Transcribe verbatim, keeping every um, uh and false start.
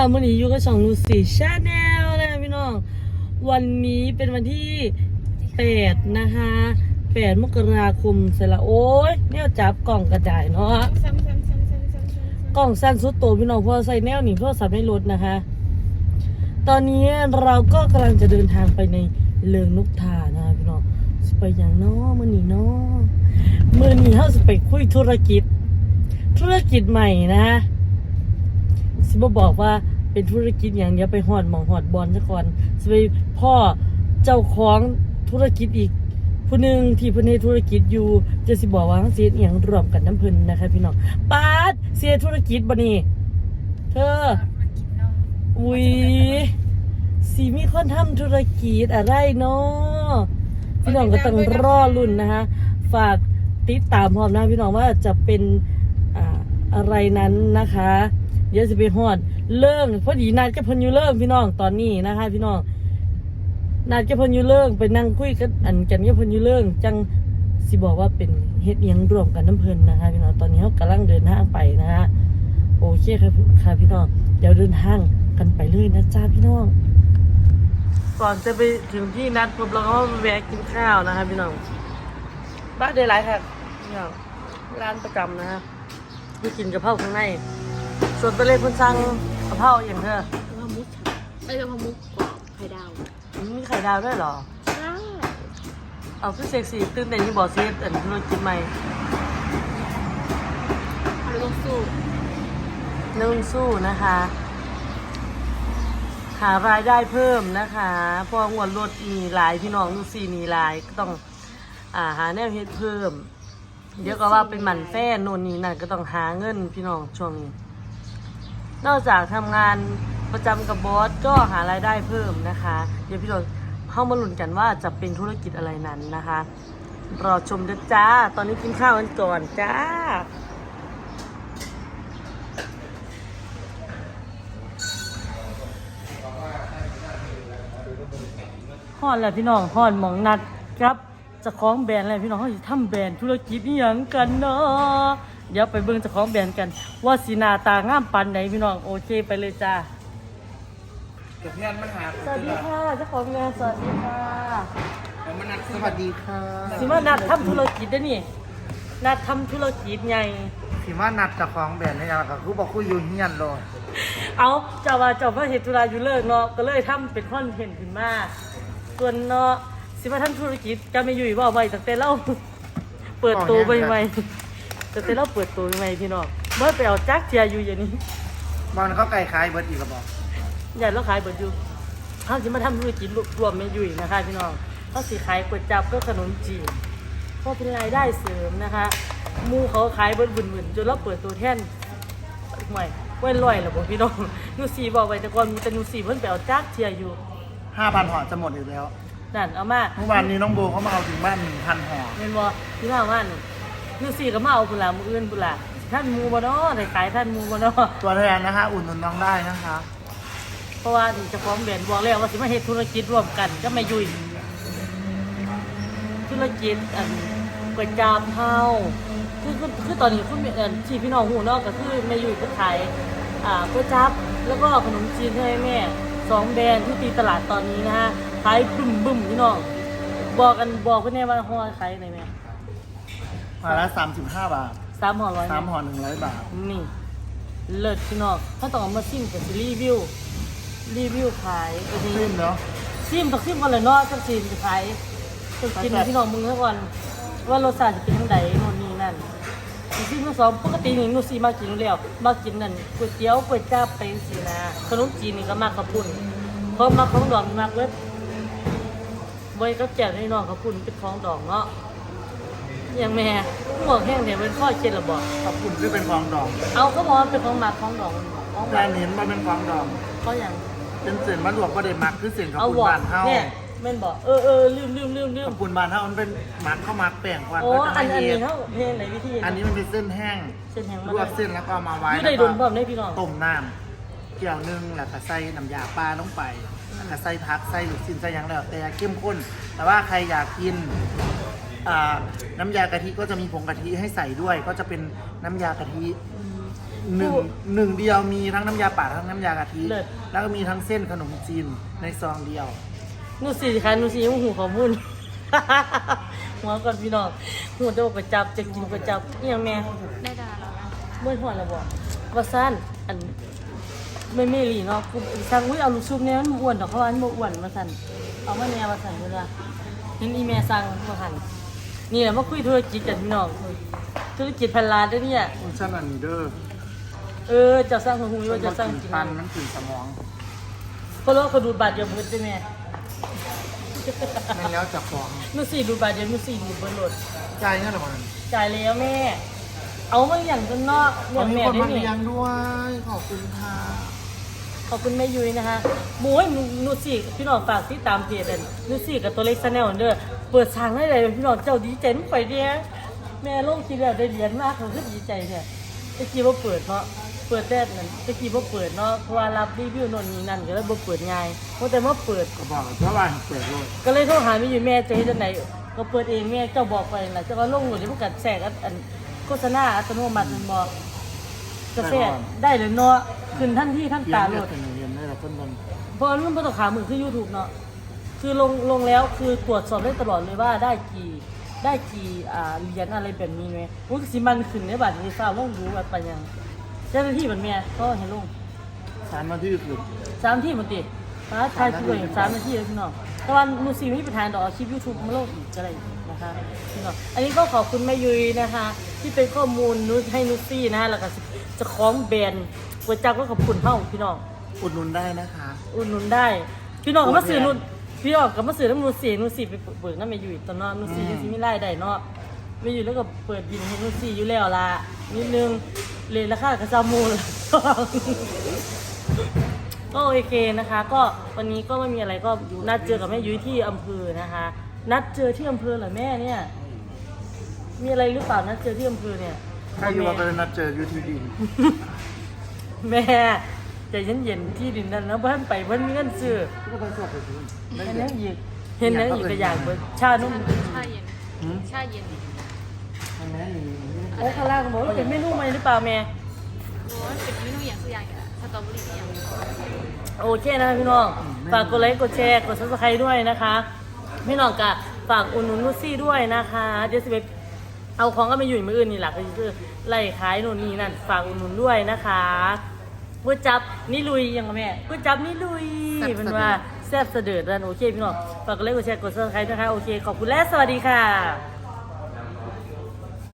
มื่อนี้อยู่กับช่องนูซี่ชาแนลนะคะพี่น้องวันนี้เป็นวันที่แปดนะคะแปดมกราคมเสร็จละโอ้ยเนี่ยจับกล่องกระจายเนาะกล่องสั้นสุดโตพี่น้องพอใส่แนวหนีโทรศัพท์ในรถนะคะตอนนี้เราก็กำลังจะเดินทางไปในเลิงนกทานะคะพี่น้องไปอย่างน้อมื่อนี้เนาะมื่อนี้เขาจะไปคุยธุรกิจธุรกิจใหม่นะสิบบอกว่าเป็นธุรกิจอย่างเดียวไปหอดหมองหอดบอลซะก่อนสิไปพ่อเจ้าของธุรกิจอีกผู้หนึ่งที่เพิ่นให้ธุรกิจอยู่จะสิบอกว่าเสียอย่างรวมกันน้ำเพิ่นนะคะพี่น้องปาดเสียธุรกิจบ่นี่เธออุ้ยสีมีคนทำธุรกิจอะไรเนาะพี่น้องก็ต้องรอรุ่นนะคะฝากติดตามพร้อมนะพี่น้องว่าจะเป็นอ่าอะไรนั้นนะคะเดี๋ยวจะไปฮอดเริ่งพอดีนัดกับเพิ่นอยู่เริ่งพี่น้องตอนนี้นะคะพี่น้องนัดกับเพิ่นอยู่เริ่งไปนั่งคุยกันอันกันกับเพิ่นอยู่เริ่งจังสิบอกว่าเป็นเฮ็ดเอียงรวมกันน้ำเพิ่นนะคะพี่น้องตอนนี้เขากำลังเดินทางไปนะคะโอเคครับค่ะพี่น้องเดี๋ยวเดินทางกันไปเลยนะจ้าพี่น้องก่อนจะไปถึงที่นัดปุ๊บเราก็แวะกินข้าวนะคะพี่น้องบ้านเดลัยค่ะพี่น้องร้านประจำนะฮะไปกินกะเพราข้างในส่วนตัวเล็กคุณสั่งกะเพราอย่างเธอกะเพรามุกไม่ใช่กะเพรามุกไข่ดาวมีไข่ดาวด้วยเหรอใช่เอาคือเซ็กซี่ตื่นเต้นที่บอกซีอันธุรกิจใหม่นุ่งสู้นุ่งสู้นะคะหารายได้เพิ่มนะคะเพราะงวดรถมีหลายพี่น้องนุ่งซีมีหลายก็ต้องอ่าหาแนวเฮ็ดเพิ่มเดี๋ยวก็ว่าเป็นหมันแฟ้นโน่นนี่นั่นก็ต้องหาเงินพี่น้องช่วงนี้นอกจากทำงานประจำกับบอสก็หารายได้เพิ่มนะคะเดี๋ยวพี่น้องเข้ามาลุ้นกันว่าจะเป็นธุรกิจอะไรนั้นนะคะรอชมด้วยจ้าตอนนี้กินข้าวกันก่อนจ้าฮอดแล้วพี่น้องฮอดหมองนัดครับจะคล้องแบรนด์อะไรพี่น้องเขาจะทำแบรนด์ธุรกิจนี่ยังกันเนาะเดี๋ยวไปเบิ่งจะคล้องแบรนด์กันว่าสีหน้าตางามปันไหนพี่น้องโอเคไปเลยจ้าสวัสดีค่ะเจ้าของงานสวัสดีค่ะมานัดสวัสดีค่ะสิมานัดทำธุรกิจได้นี่นัดทำธุรกิจไงสิมานัดจะคล้องแบรนด์นี่ยังก็คือบอกคุยอยู่เฮียนเลยเอาเจ้าว่าเจ้าพระเหตุธุระอยู่เลิกเนาะก็เลยทำเป็นคอนเทนต์ขึ้นมาส่วนเนาะสิมาทำธุรกิจก็ไม่อยู่ว่าไว้ตั้งแต่เราเปิดตัวใหม่ๆตั้งแต่เราเปิดตัวใหม่พี่น้องเมื่อไปเอาจักเทียอยู่อย่างนี้บอลเขาไก่ขายเบิร์ดอีกกระบอกอย่าเราขายเบิร์ดอยู่เขาสิมาทำธุรกิจรวมไม่อยู่นะคะพี่น้องเขาสิขายก๋วยจั๊บก็ขนมจีนเพราะเป็นรายได้เสริมนะคะมูเขาขายเบิร์ดบุญๆจนเราเปิดตัวแท่นใหม่เว้นลอยหรอบอกพี่น้องนูซีบอกไว้แต่ก่อนมีแต่นูซีเพิ่นไปเอาจักเทียอยู่ห้าพันห่อจะหมดอีกแล้วนั่นเอามาเมื่อวานนี้น้องโบเขามาเอาถึงบ้านหนึ่งพันห่อเห็นบ่ที่ว่าว่านูซีก็มาเอาบุหลามืออื่นบุหลาท่านมูบ่เนาะได้ขายท่านมูบ่เนาะตัวแทนนะคะอุ่นนุนน้องได้นะคะเพราะว่าเจ้าของแบรนด์บอกแล้วว่าสิมาเฮ็ดธุรกิจร่วมกันก็ไม่ยุ่ยธุรกิจอันก๋วยจั๊บเฮาคือคือคือตอนนี้คุณอันที่พี่น้องฮู้เนาะก็คือแม่ยุ่ยก็ขายอ่าก๋วยจั๊บแล้วก็ขนมจีนให้แม่สองแบรนด์ที่ตีตลาดตอนนี้นะฮะขายบึ้มบึ้มพี่น้องบอกกันบอกเพื่อนแน่ว่าห่อขายไหนแม่ห่อละสามสิบห้าบาทสามห่อร้อยสามห่อหนึ่งร้อยบาทนี่เลิศพี่น้องเขาต้องเอามาซิมกับรีวิวรีวิวขายซิมเนาะซิมต้องซิมก่อนเลยเนาะจะซิมจะขายจะกินพี่น้องมึงซะก่อนว่ารสชาติจะเป็นยังไงโน่นนี่นั่นซิมทั้งสองปกตินี่นูซีมากินแล้วมากินนั่นก๋วยเตี๋ยวก๋วยจั๊บไปสินะขนมจีนนี่ก็มากกระปุ่นเพราะมาของดองมากเว้ยไว้ก็แจกให้น้องกระปุ่นเป็นของดองเนาะอย่างแม่หมวกแห้งเนี่ยเป็นข้อเช็ดระบอกกระปุ่นคือเป็นของดองเอาก็บอกเป็นของหมักของดองแต่เห็นมาเป็นของดองก็อย่างเป็นเส้นมันหลวกประเด็นหมักคือเส้นกระปุ่นบานเท่าเนี่ยแม่นบอกเออเออลืมลืมลืมลืมกระปุ่นบานเท่ามันเป็นหมักข้าวหมักแป้งวันโอ้อันอันนี้เท่าเพลงไหนวิธีอันนี้มันเป็นเส้นแห้งเส้นแห้งลวกเส้นแล้วก็มาไว้แล้วก็ต้มน้ำเกี่ยวนึ่งแล้วก็ใส่น้ำยาปลาลงไปแล้วก็ใส่ผักใส่หลุดซินใส่ยังแล้วแต่เข้มข้นแต่ว่าใครอยากกินน้ำยากะทิก็จะมีผงกะทิให้ใส่ด้วยก็จะเป็นน้ำยากะทิหนึ่งผู้หนึ่งเดียวมีทั้งน้ำยาป่าทั้งน้ำยากะทิเลิศแล้วก็มีทั้งเส้นขนมจีนในซองเดียวนูสี่ค่ะนูสี่ยังหูข้อมูล หัวก่อนพี่น้องหูจะบอกไปจับจะกินไปจับนี่ยังแม่ได้ดาราแล้วนะเมื่อหัวแล้วบอกว่าสั้นอันไม่ไม่หลีเนาะกูสั่งอุ้ยเอาลูกชุบเนี่ยมันอ้วนดอกเขาว่ามันบ่อ้วนมาสั่นเอามาแนวมาสั่นเลยละเห็นอีแม่สั่งมาหันนี่แหละมาคุยธุรกิจกันพี่น้องธุรกิจพันล้านด้วยเนี่ยคุณชั้นอันนี้เด้อเออเจะสร้างของหูว่าเจะสร้างจริงปันมันถึงสมองเพราะว่าเขาดูดบาดเดียวมือใช่ไหมแม่นแล้วจะฟ้องนูสี่ดูดบาดเดียวนูสี่ดูดบนรถจ่ายเงินหรือเปล่าจ่ายแล้วแม่ เอามาอย่างจนเนาะอตอย่าง นนี้แม่คนได้มาเนี่เลี้ยยงด้วย ขอบคุณค่ะขอบคุณแม่ยุ้ยนะคะโอ้ยนูสี่พี่น้องฝากที่ตามเพจเลยนูสี่กับตัวเล็กซาแนลเด้อเปิดทางได้เลยพี่น้องเจ้าดีใจไม่ไปเดียแม่ลงคิดแล้วได้เหรียญมากเขาคือดีใจเนี่ยตะกี้ว่าเปิดเนาะเปิดแต่นั่นตะกี้ว่าเปิดเนาะเพราะว่ารับรีวิวโน่นนี่นั่นก็เลยบ่เปิดง่ายเพราะแต่ว่าเปิดก็บอกเพราะว่าเปิดโลดก็เลยโทรหาแม่ยุ้ยแม่จะเฮ็ดจังไดก็เปิดเองแม่เจ้าบอกไปน่ะเจ้าก็ลงหนูที่พวกกัดแทรกอันโฆษณาอัตโนมัติมันบอกกาแฟได้เลยเนาะขึ้นทันที่ทันเรียตาน โหลเลือดดเป็นเรียนได้แล้วเพิ่นเบิ่งเพราะมันเป็นตัวขามือคือ YouTube เนาะคือลงลงแล้วคือตรวจสอบได้ตลอดเลยว่าได้กี่ได้กี่อ่าเหรียญอะไรแบบนี้ไหมอุ้ยสิมันขึ้นในบัตรนี้ทราบว่ารู้ว่าไปยังเจ้าหน้าที่เหมือนเมียก็เห็นลงสารมาที่คือสามที่มันติดฟ้าทายคืออย่างสามนาทีแล้วพี่น้องแต่ว่ามูซีไม่มีปัญหาดอกเอาคลิป YouTube มาลงอีกอะไรอีกนะคะพี่น้องอันนี้ก็ขอบคุณแม่ยุ้ยนะคะ ที่เป็นข้อมูลนุชให้นุชซี่นะแล้วก็จะคล้องแบรนด์ก๋วยจั๊บก็ขอบคุณเฮ้าพี่น้องอุดหนุนได้นะคะอุดหนุนได้ พี่น้องก็มาซื้อนุ่นพี่น้องก็มาซื้อน้ำนูนสีนูนสีไปเปิดน้ำไม่อยู่ตอนนอนนูนสียังสีไม่ไล่ได้เนาะไม่อยู่แล้วก็เปิดบินให้นูนสีอยู่แล้วล่ะนิดนึงเลยราคากระซามูล ก็โอเคนะคะ ก็วันนี้ก็ไม่มีอะไรก็นัดเจอกับแม่ยุ้ยที่อำเภอนะคะ นัดเจอที่อำเภอเหรอแม่เนี่ย มีอะไรหรือเปล่านัดเจอที่อำเภอเนี่ยถ้าอยู่ว่าไปนัดเจออยู่ที่ดินแม่ใจเย็นๆที่ดินนั้นนะเพิ่นไปเพิ่นมีเงินซื้อก็ไปสอบไปดูเห็นแล้วอีกเห็นแล้วอีกก็อยากเบิดชานุ่มชาเย็นหืมชาเย็นทำไมนี่โอ้ข้างล่างบอกว่าเป็นเมนูใหม่หรือเปล่าแม่โอ้ยเป็นเมนูอย่างตัวอย่างกันสตรอเบอรี่อย่างโอเคนะคะพี่น้องฝากกดไลค์กดแชร์กดซับสไครต์ด้วยนะคะ พี่น้องกะฝากอุดหนุนนุชซี่ด้วยนะคะเดี๋ยวสิไปเอาของก็ไปอยู่มืออื่นนี่แหละก็คือไล่ขายโน่นนี่นั่นฝากอุดหนุนด้วยนะคะก๋วยจับนี่ลุยยังไงแม่ก๋วยจับนี่ลุยเป็นว่าแซ่บเสด็จนั่นโอเคพี่น้องฝากกดไลค์กดแชร์กดซับสไครต์นะคะโอเคขอบคุณและสวัสดีค่ะ